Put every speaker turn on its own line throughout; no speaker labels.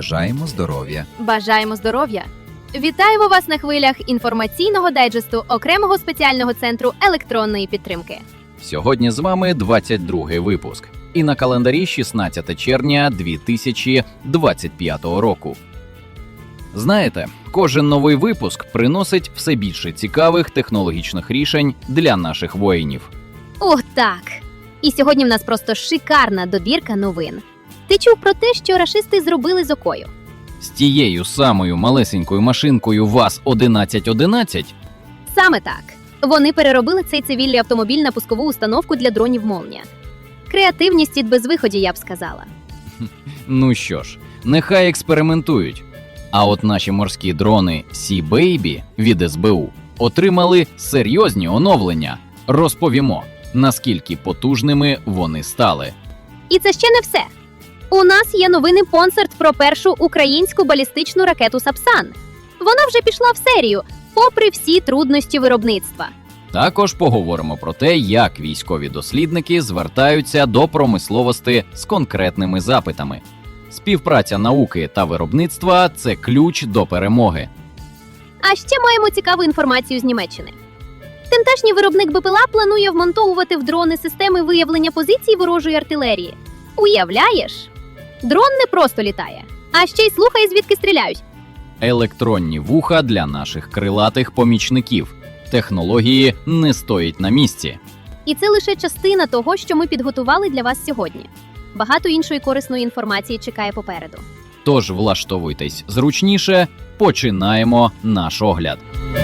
Бажаємо здоров'я!
Бажаємо здоров'я! Вітаємо вас на хвилях інформаційного дайджесту окремого спеціального центру електронної підтримки.
Сьогодні з вами 22-й випуск. І на календарі 16 червня 2025 року. Знаєте, кожен новий випуск приносить все більше цікавих технологічних рішень для наших воїнів.
О, так! І сьогодні в нас просто шикарна добірка новин. Ти чув про те, що рашисти зробили з Окою?
З тією самою малесенькою машинкою ВАЗ-1111?
Саме так. Вони переробили цей цивільний автомобіль на пускову установку для дронів «Молнія». Креативність від безвиході, я б сказала.
Ну що ж, нехай експериментують. А от наші морські дрони Sea Baby від СБУ отримали серйозні оновлення. Розповімо, наскільки потужними вони стали.
І це ще не все. У нас є новинний концерт про першу українську балістичну ракету «Сапсан». Вона вже пішла в серію, попри всі трудності виробництва.
Також поговоримо про те, як військові дослідники звертаються до промисловості з конкретними запитами. Співпраця науки та виробництва – це ключ до перемоги.
А ще маємо цікаву інформацію з Німеччини. Тамтешній виробник БПЛА планує вмонтовувати в дрони системи виявлення позицій ворожої артилерії. Уявляєш? Дрон не просто літає, а ще й слухає, звідки стріляють.
Електронні вуха для наших крилатих помічників. Технології не стоять на місці.
І це лише частина того, що ми підготували для вас сьогодні. Багато іншої корисної інформації чекає попереду.
Тож влаштовуйтесь зручніше, починаємо наш огляд.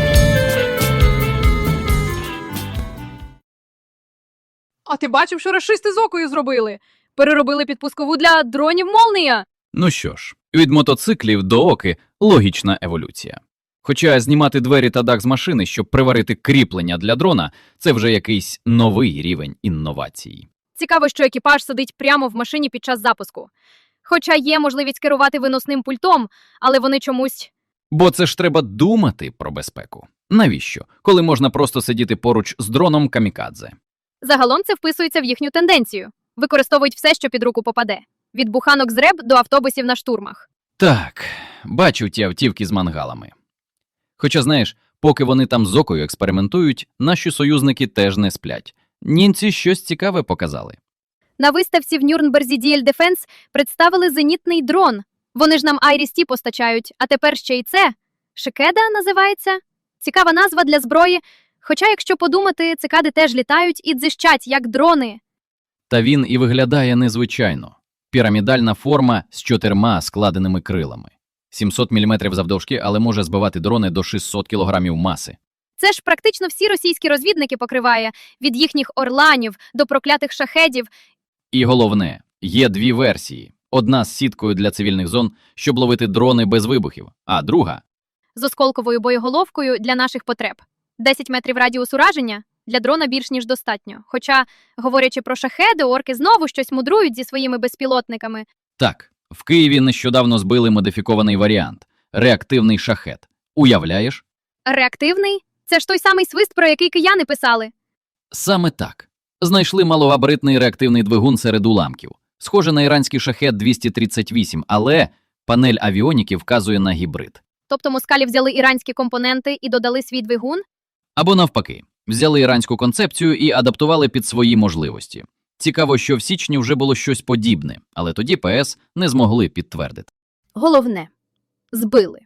А ти бачив, що рашисти з Окою зробили? Переробили підпускову для дронів «Молнія».
Ну що ж, від мотоциклів до Оки – логічна еволюція. Хоча знімати двері та дах з машини, щоб приварити кріплення для дрона – це вже якийсь новий рівень інновацій.
Цікаво, що екіпаж сидить прямо в машині під час запуску. Хоча є можливість керувати виносним пультом, але вони чомусь...
Бо це ж треба думати про безпеку. Навіщо? Коли можна просто сидіти поруч з дроном камікадзе.
Загалом це вписується в їхню тенденцію. Використовують все, що під руку попаде. Від буханок з РЕБ до автобусів на штурмах.
Так, бачу ті автівки з мангалами. Хоча, знаєш, поки вони там з Окою експериментують, наші союзники теж не сплять. Німці щось цікаве показали.
На виставці в Нюрнберзі DL Defense представили зенітний дрон. Вони ж нам Айріс-Ті постачають, а тепер ще й це. Шикеда називається? Цікава назва для зброї. Хоча, якщо подумати, цикади теж літають і дзищать, як дрони.
Та він і виглядає незвичайно. Пірамідальна форма з 4 складеними крилами. 700 мм завдовжки, але може збивати дрони до 600 кг маси.
Це ж практично всі російські розвідники покриває, від їхніх орланів до проклятих шахедів.
І головне, є дві версії. Одна з сіткою для цивільних зон, щоб ловити дрони без вибухів, а друга
З осколковою боєголовкою для наших потреб. 10 метрів радіус ураження для дрона більш ніж достатньо. Хоча, говорячи про шахеди, орки знову щось мудрують зі своїми безпілотниками.
Так, в Києві нещодавно збили модифікований варіант – реактивний шахед. Уявляєш?
Реактивний? Це ж той самий свист, про який кияни писали.
Саме так. Знайшли малогабаритний реактивний двигун серед уламків. Схоже на іранський шахед-238, але панель авіоніки вказує на гібрид.
Тобто москалі взяли іранські компоненти і додали свій двигун?
Або навпаки, взяли іранську концепцію і адаптували під свої можливості. Цікаво, що в січні вже було щось подібне, але тоді ПС не змогли підтвердити.
Головне – збили.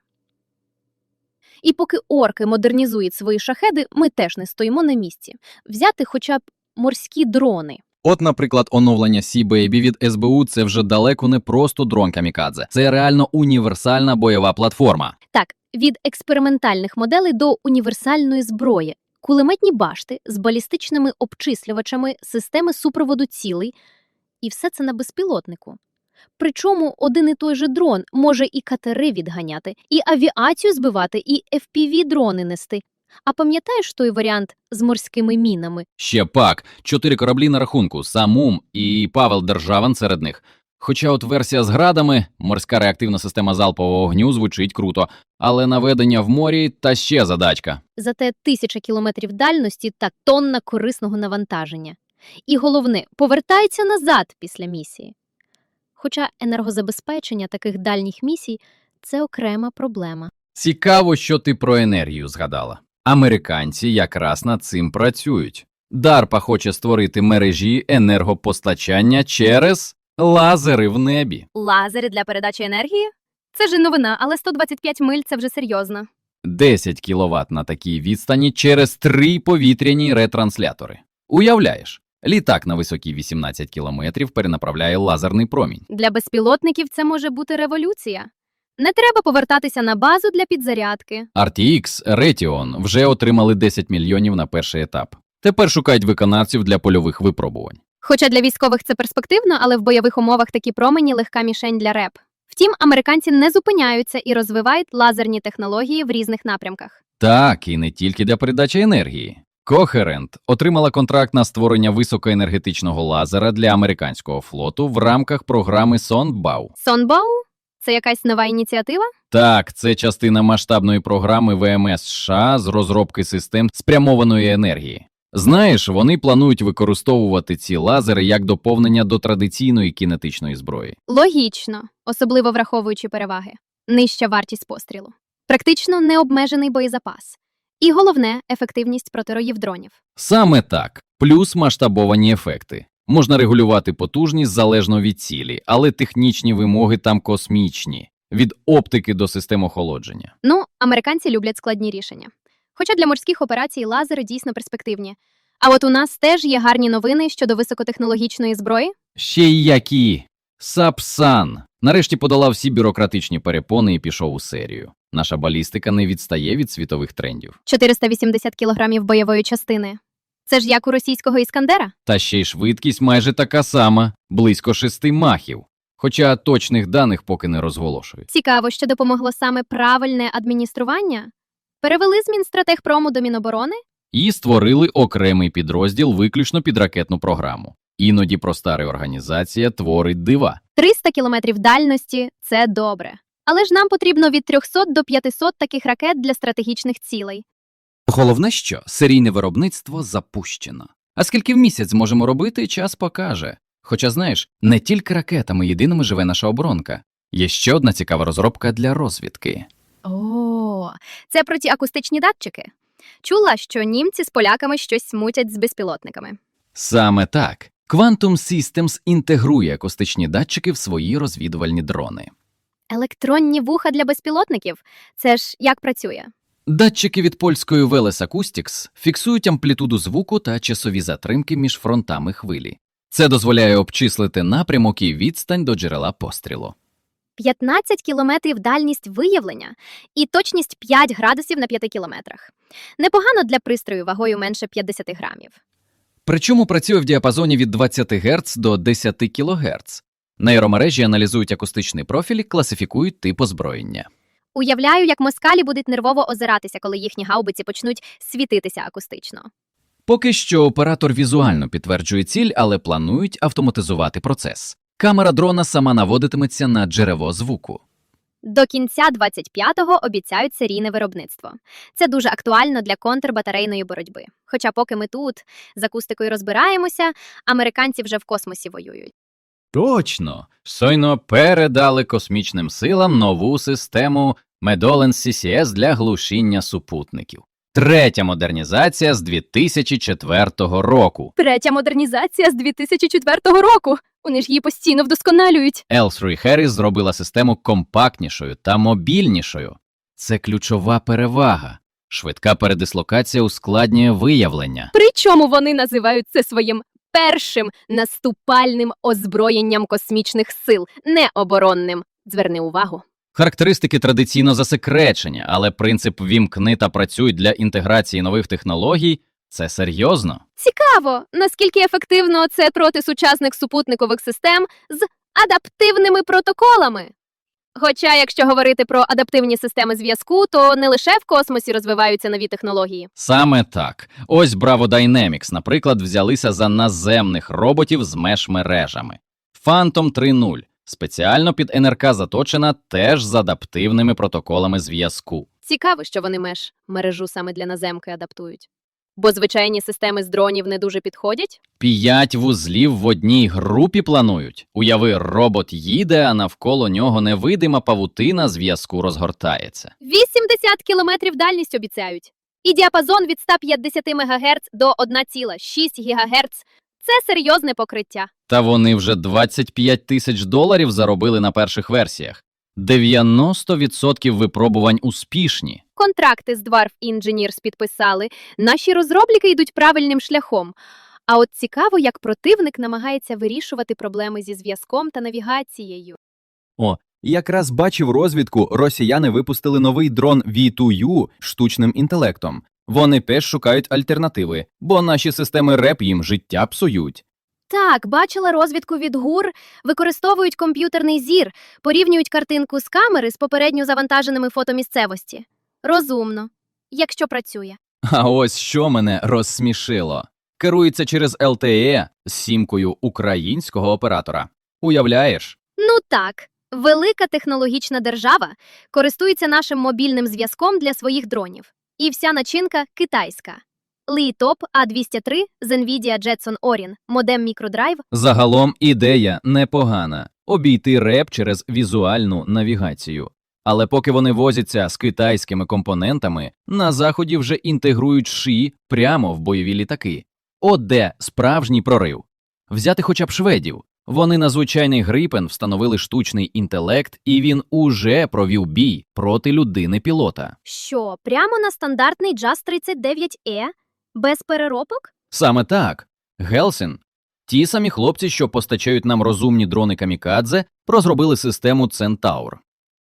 І поки орки модернізують свої шахеди, ми теж не стоїмо на місці. Взяти хоча б морські дрони.
От, наприклад, оновлення Sea Baby від СБУ – це вже далеко не просто дрон камікадзе. Це реально універсальна бойова платформа.
Так, від експериментальних моделей до універсальної зброї. Кулеметні башти з балістичними обчислювачами, системи супроводу цілей. І все це на безпілотнику. Причому один і той же дрон може і катери відганяти, і авіацію збивати, і FPV-дрони нести. А пам'ятаєш той варіант з морськими мінами?
Ще пак, 4 кораблі на рахунку, Самум і Павел Державин серед них. Хоча от версія з градами, морська реактивна система залпового вогню звучить круто, але наведення в морі та ще задачка.
Зате 1000 кілометрів дальності та тонна корисного навантаження. І головне, повертається назад після місії. Хоча енергозабезпечення таких дальніх місій – це окрема проблема.
Цікаво, що ти про енергію згадала. Американці якраз над цим працюють. DARPA хоче створити мережі енергопостачання через лазери в небі.
Лазери для передачі енергії? Це ж новина, але 125 миль – це вже серйозно.
10 кВт на такій відстані через 3 повітряні ретранслятори. Уявляєш, літак на висоті 18 кілометрів перенаправляє лазерний промінь.
Для безпілотників це може бути революція. Не треба повертатися на базу для підзарядки.
RTX, Raytheon вже отримали 10 мільйонів на перший етап. Тепер шукають виконавців для польових випробувань.
Хоча для військових це перспективно, але в бойових умовах такі промені – легка мішень для РЕП. Втім, американці не зупиняються і розвивають лазерні технології в різних напрямках.
Так, і не тільки для передачі енергії. Coherent отримала контракт на створення високоенергетичного лазера для американського флоту в рамках програми Сонбау.
Сонбау? Це якась нова ініціатива?
Так, це частина масштабної програми ВМС США з розробки систем спрямованої енергії. Знаєш, вони планують використовувати ці лазери як доповнення до традиційної кінетичної зброї.
Логічно, особливо враховуючи переваги. Нижча вартість пострілу. Практично необмежений боєзапас. І головне – ефективність протироїв дронів.
Саме так, плюс масштабовані ефекти. Можна регулювати потужність залежно від цілі, але технічні вимоги там космічні. Від оптики до систем охолодження.
Ну, американці люблять складні рішення. Хоча для морських операцій лазери дійсно перспективні. А от у нас теж є гарні новини щодо високотехнологічної зброї.
Ще й які! Сапсан нарешті подолав всі бюрократичні перепони і пішов у серію. Наша балістика не відстає від світових трендів.
480 кілограмів бойової частини. Це ж як у російського Іскандера?
Та ще й швидкість майже така сама – близько 6 махів. Хоча точних даних поки не розголошують.
Цікаво, що допомогло саме правильне адміністрування. Перевели з Мінстратегпрому до Міноборони?
І створили окремий підрозділ виключно під ракетну програму. Іноді проста реорганізація творить дива.
300 кілометрів дальності – це добре. Але ж нам потрібно від 300 до 500 таких ракет для стратегічних цілей.
Головне, що серійне виробництво запущено. А скільки в місяць зможемо робити, час покаже. Хоча, знаєш, не тільки ракетами єдиними живе наша оборонка. Є ще одна цікава розробка для розвідки.
О, це про ті акустичні датчики. Чула, що німці з поляками щось мутять з безпілотниками.
Саме так. Quantum Systems інтегрує акустичні датчики в свої розвідувальні дрони.
Електронні вуха для безпілотників? Це ж як працює?
Датчики від польської Veles Acoustics фіксують амплітуду звуку та часові затримки між фронтами хвилі. Це дозволяє обчислити напрямок і відстань до джерела пострілу.
15 кілометрів дальність виявлення і точність 5 градусів на 5 кілометрах. Непогано для пристрою вагою менше 50 грамів.
Причому працює в діапазоні від 20 Гц до 10 кГц. Нейромережі аналізують акустичний профіль і класифікують тип озброєння.
Уявляю, як москалі будуть нервово озиратися, коли їхні гаубиці почнуть світитися акустично.
Поки що оператор візуально підтверджує ціль, але планують автоматизувати процес. Камера дрона сама наводитиметься на джерело звуку.
До кінця 25-го обіцяють серійне виробництво. Це дуже актуально для контрбатарейної боротьби. Хоча поки ми тут з акустикою розбираємося, американці вже в космосі воюють.
Точно! Щойно передали космічним силам нову систему Medolens CCS для глушіння супутників. Третя модернізація з 2004 року.
Третя модернізація з 2004 року! Вони ж її постійно вдосконалюють.
L3 Harris зробила систему компактнішою та мобільнішою. Це ключова перевага. Швидка передислокація ускладнює виявлення.
Причому вони називають це своїм першим наступальним озброєнням космічних сил, не оборонним. Зверни увагу.
Характеристики традиційно засекречені, але принцип «вімкни та працюй» для інтеграції нових технологій – це серйозно.
Цікаво, наскільки ефективно це проти сучасних супутникових систем з адаптивними протоколами. Хоча, якщо говорити про адаптивні системи зв'язку, то не лише в космосі розвиваються нові технології.
Саме так. Ось Bravo Dynamics, наприклад, взялися за наземних роботів з меш-мережами. Phantom 3.0 спеціально під НРК заточена теж з адаптивними протоколами зв'язку.
Цікаво, що вони мережу саме для наземки адаптують. Бо звичайні системи з дронів не дуже підходять?
5 вузлів в одній групі планують. Уяви, робот їде, а навколо нього невидима павутина зв'язку розгортається.
80 кілометрів дальність обіцяють. І діапазон від 150 МГц до 1,6 ГГц – це серйозне покриття.
Та вони вже $25 000 заробили на перших версіях. 90% випробувань успішні.
Контракти з Dwarf Engineers підписали. Наші розробники йдуть правильним шляхом. А от цікаво, як противник намагається вирішувати проблеми зі зв'язком та навігацією.
Якраз бачив розвідку, росіяни випустили новий дрон V2U з штучним інтелектом. Вони теж шукають альтернативи, бо наші системи РЕП їм життя псують.
Так, бачила розвідку від ГУР, використовують комп'ютерний зір, порівнюють картинку з камери з попередньо завантаженими фото місцевості. Розумно. Якщо працює.
А ось що мене розсмішило. Керується через LTE з сімкою українського оператора. Уявляєш?
Ну так, велика технологічна держава користується нашим мобільним зв'язком для своїх дронів. І вся начинка китайська. Li-Top A203 з NVIDIA Jetson Orin, модем мікродрайв.
Загалом ідея непогана – обійти РЕП через візуальну навігацію. Але поки вони возяться з китайськими компонентами, на Заході вже інтегрують ШІ прямо в бойові літаки. От де справжній прорив. Взяти хоча б шведів. Вони на звичайний Грипен встановили штучний інтелект, і він уже провів бій проти людини-пілота.
Що, прямо на стандартний JAS-39E? Без переробок?
Саме так. Гелсін, ті самі хлопці, що постачають нам розумні дрони камікадзе, розробили систему Центаур.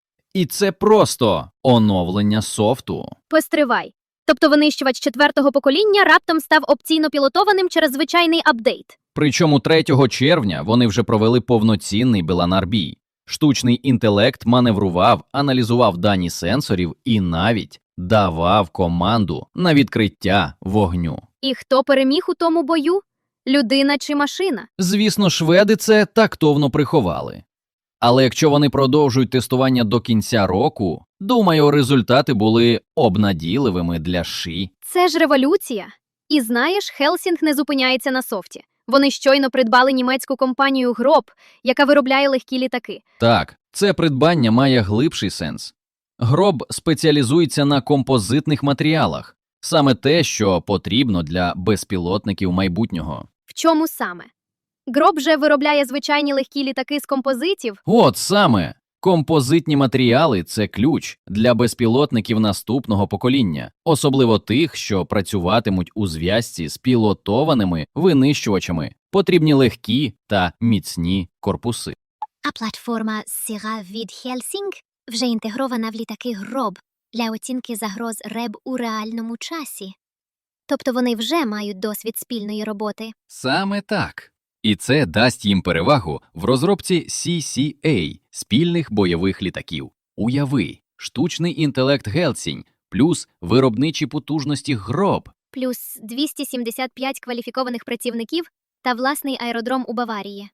І це просто оновлення софту.
Постривай. Тобто винищувач 4-го покоління раптом став опційно пілотованим через звичайний апдейт.
Причому 3 червня вони вже провели повноцінний Беланар-бій. Штучний інтелект маневрував, аналізував дані сенсорів і навіть давав команду на відкриття вогню.
І хто переміг у тому бою? Людина чи машина?
Звісно, шведи це тактовно приховали. Але якщо вони продовжують тестування до кінця року, думаю, результати були обнадійливими для ШІ.
Це ж революція. І знаєш, Хелсінг не зупиняється на софті. Вони щойно придбали німецьку компанію Гроб, яка виробляє легкі літаки.
Так, це придбання має глибший сенс. Гроб спеціалізується на композитних матеріалах. Саме те, що потрібно для безпілотників майбутнього.
В чому саме? Гроб же виробляє звичайні легкі літаки з композитів.
От саме! Композитні матеріали – це ключ для безпілотників наступного покоління, особливо тих, що працюватимуть у зв'язці з пілотованими винищувачами. Потрібні легкі та міцні корпуси.
А платформа Sierra від Helsing вже інтегрована в літаки Гроб для оцінки загроз РЕБ у реальному часі. Тобто вони вже мають досвід спільної роботи.
Саме так. І це дасть їм перевагу в розробці CCA – спільних бойових літаків. Уяви, штучний інтелект Гелсінь плюс виробничі потужності Гроб.
Плюс 275 кваліфікованих працівників та власний аеродром у Баварії.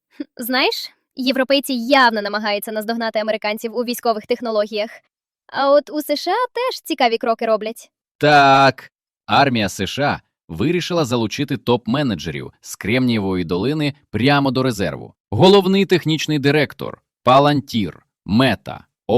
Знаєш, європейці явно намагаються наздогнати американців у військових технологіях. А от у США теж цікаві кроки роблять.
Так, армія США вирішила залучити топ-менеджерів з Кремнієвої долини прямо до резерву. Головний технічний директор, Palantir, Meta,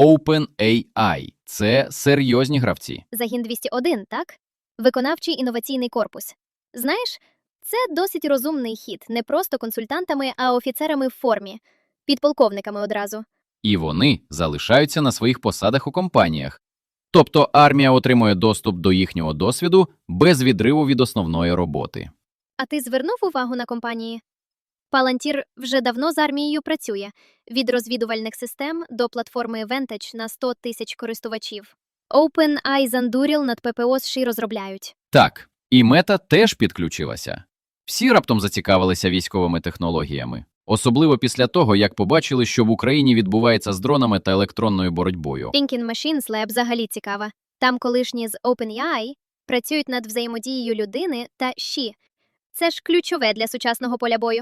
OpenAI – це серйозні гравці.
Загін 201, так? Виконавчий інноваційний корпус. Знаєш, це досить розумний хід, не просто консультантами, а офіцерами в формі. Підполковниками одразу.
І вони залишаються на своїх посадах у компаніях. Тобто армія отримує доступ до їхнього досвіду без відриву від основної роботи.
А ти звернув увагу на компанії? Palantir вже давно з армією працює. Від розвідувальних систем до платформи Vantage на 100 тисяч користувачів. OpenAI з Anduril над ППО США розробляють.
Так, і Мета теж підключилася. Всі раптом зацікавилися військовими технологіями. Особливо після того, як побачили, що в Україні відбувається з дронами та електронною боротьбою.
Thinking Machines Lab взагалі цікава. Там колишні з OpenAI працюють над взаємодією людини та ШІ. Це ж ключове для сучасного поля бою.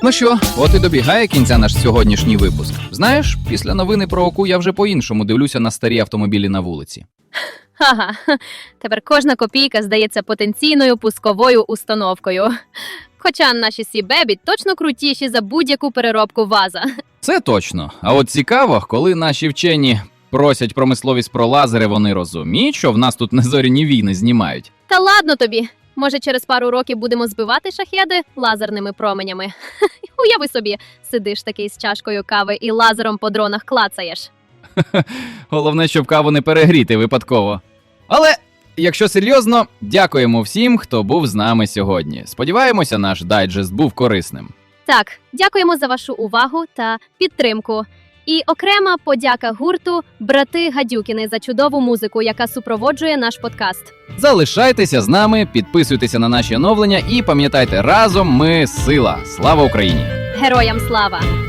Ну що, от і добігає кінця наш сьогоднішній випуск. Знаєш, після новини про ОКУ я вже по-іншому дивлюся на старі автомобілі на вулиці.
Ага, тепер кожна копійка здається потенційною пусковою установкою. Хоча наші Сі-Бебі точно крутіші за будь-яку переробку ВАЗа.
Це точно. А от цікаво, коли наші вчені просять промисловість про лазери, вони розуміють, що в нас тут незоряні війни знімають.
Та ладно тобі. Може, через пару років будемо збивати шахеди лазерними променями. Уяви собі, сидиш такий з чашкою кави і лазером по дронах клацаєш.
Головне, щоб каву не перегріти випадково. Але, якщо серйозно, дякуємо всім, хто був з нами сьогодні. Сподіваємося, наш дайджест був корисним.
Так, дякуємо за вашу увагу та підтримку. І окрема подяка гурту «Брати Гадюкіни» за чудову музику, яка супроводжує наш подкаст.
Залишайтеся з нами, підписуйтеся на наші оновлення і пам'ятайте, разом ми сила. Слава Україні!
Героям слава!